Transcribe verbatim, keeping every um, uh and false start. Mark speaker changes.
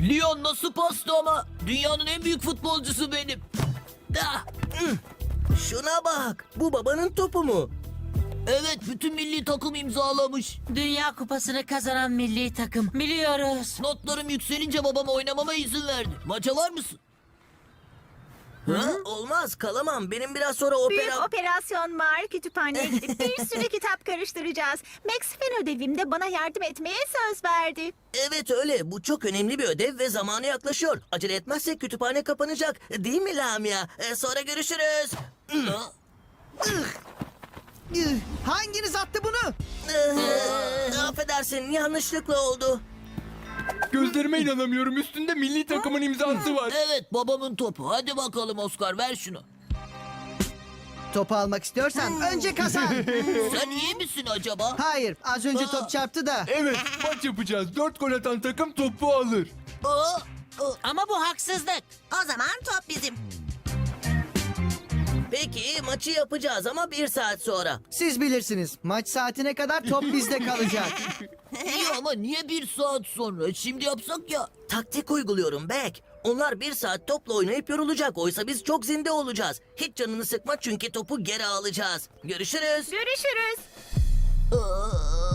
Speaker 1: Lyon nasıl pastı ama? Dünyanın en büyük futbolcusu benim. Ah,
Speaker 2: Şuna bak. Bu babanın topu mu?
Speaker 1: evet, bütün milli takım imzalamış.
Speaker 3: Dünya Kupası'nı kazanan milli takım. Biliyoruz.
Speaker 1: Notlarım yükselince babam oynamama izin verdi. Maça var mısın?
Speaker 2: Ha? Olmaz, kalamam. Benim biraz sonra
Speaker 4: Büyük
Speaker 2: opera...
Speaker 4: operasyon var. Kütüphaneye gidip bir sürü kitap karıştıracağız. Max fen ödevimde bana yardım etmeye söz verdi.
Speaker 2: Evet öyle. Bu çok önemli bir ödev ve zamanı yaklaşıyor. Acele etmezsek kütüphane kapanacak. Değil mi Lamia? Ee, sonra görüşürüz.
Speaker 1: Ha?
Speaker 5: Hanginiz attı bunu?
Speaker 2: Ee, affedersin, yanlışlıkla oldu.
Speaker 6: Gözlerime inanamıyorum. Üstünde milli takımın imzası var.
Speaker 1: Evet, babamın topu. Hadi bakalım Oscar, ver şunu.
Speaker 5: Topu almak istiyorsan önce kazan.
Speaker 1: Sen iyi misin acaba?
Speaker 5: Hayır, az önce top çarptı da.
Speaker 6: Evet, maç yapacağız. Dört gol atan takım topu alır.
Speaker 1: Aa, aa.
Speaker 3: Ama bu haksızlık.
Speaker 7: O zaman top bizim.
Speaker 2: Peki, maçı yapacağız ama bir saat sonra.
Speaker 5: Siz bilirsiniz. Maç saatine kadar top bizde kalacak.
Speaker 1: İyi ama niye bir saat sonra? Şimdi yapsak ya.
Speaker 2: Taktik uyguluyorum Beck. Onlar bir saat topla oynayıp yorulacak. Oysa biz çok zinde olacağız. Hiç canını sıkma çünkü topu geri alacağız. Görüşürüz.
Speaker 4: Görüşürüz.
Speaker 1: Aa.